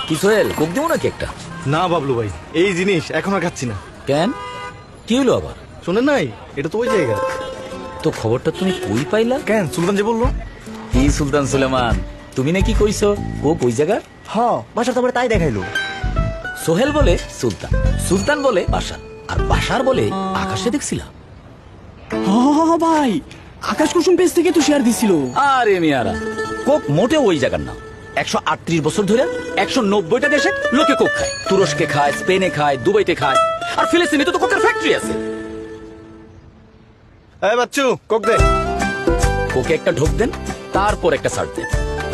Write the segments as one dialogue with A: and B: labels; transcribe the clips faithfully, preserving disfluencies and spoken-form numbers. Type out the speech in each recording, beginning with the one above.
A: কি সোহেল, কোক দেবো নাকি একটা?
B: না বাবলু ভাই, এই জিনিস এখন আর খাচ্ছি না।
A: কেন, কি হলো আবার?
B: শোনেন নাই, এটা তো ওই জায়গা।
A: তো খবরটা তুমি কই পাইলা?
B: কেন, সুলতান যে বললো।
A: কি সুলতান সুলেমান, তুমি নাকি কইছো কোক ওই জায়গার?
C: হ বাসা তোমার তাই দেখাইলো।
A: সোহেল বলে সুলতান, সুলতান বলে বাসার, আর বাসার বলে আকাশে দেখছিলাম।
D: হ ভাই, আকাশ কুসুম পেজ থেকে তো শেয়ার দিছিল।
A: আরে মিয়ারা, কোক মোটে ওই জায়গার না। একশো আটত্রিশ বছর ধরে একশো নব্বইটা দেশে লোকে কোক খায়। তুরস্কে খায়, স্পেনে খায়, দুবাইতে খায়, আর ফিলিস্তিনে তো কোকের ফ্যাক্টরি আছে।
B: এই বাচ্চু, কোক দে।
A: কোকে একটা ঢোক দেন, তারপর একটা সার্ট দেন।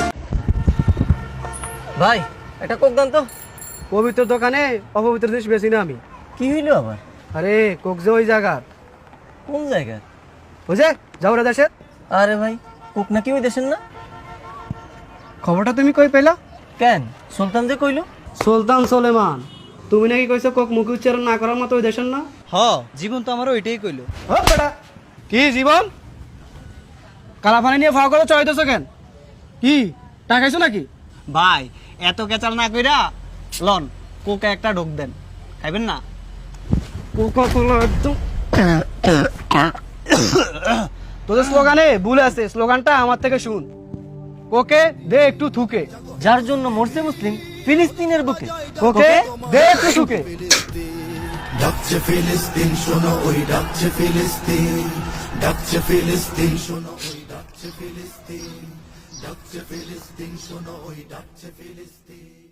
C: ভাই একটা কোক দান তো।
E: পবিত্র দোকানে অপবিত্র জিনিস বেশি না আমি।
C: কি হইলো আবার?
E: আরে কোক যে ওই জায়গার,
C: কোন জায়গা?
E: বুঝে যাওরা দেশের।
C: আরে ভাই, কোক নাকি ওই দেশের না?
E: খবরটা তুমি কই পেলা?
C: কেন, সুলতান যে কইলো।
E: সুলতান সুলেমান, তুমি নাকি কইছো কোক মুখ উচ্চারণ না করার মতো ওই দেশের না?
F: হ, জীবন তো আমার ওইটাই কইলো।
E: ও বেটা, কি জীবন কালা পানি নিয়ে ফাও করে চড়াইতেছো কেন? কি টাকাইছো নাকি?
F: ভাই এত কেচাল না কইরা লন কোকে একটা ঢোক দেন, খাইবেন না?
E: কোকা কোলা একদম। তোদের স্লোগানে ভুল আছে, স্লোগানটা আমার থেকে শুন। কোকে দে একটু থুকে,
C: যার জন্য মরছে মুসলিম ফিলিস্তিনের বুকে।
E: কোকে দে একটু থুকে।
G: ডাকছে ফিলিস্তিন শোনো, ওই ডাকছে ফিলিস্তিন, ডাকছে ফিলিস্তিন শোনো, ওই ডাকছে ফিলিস্তিন, ডাকছে ফিলিস্তিন শোনো, ওই ডাকছে ফিলিস্তিন।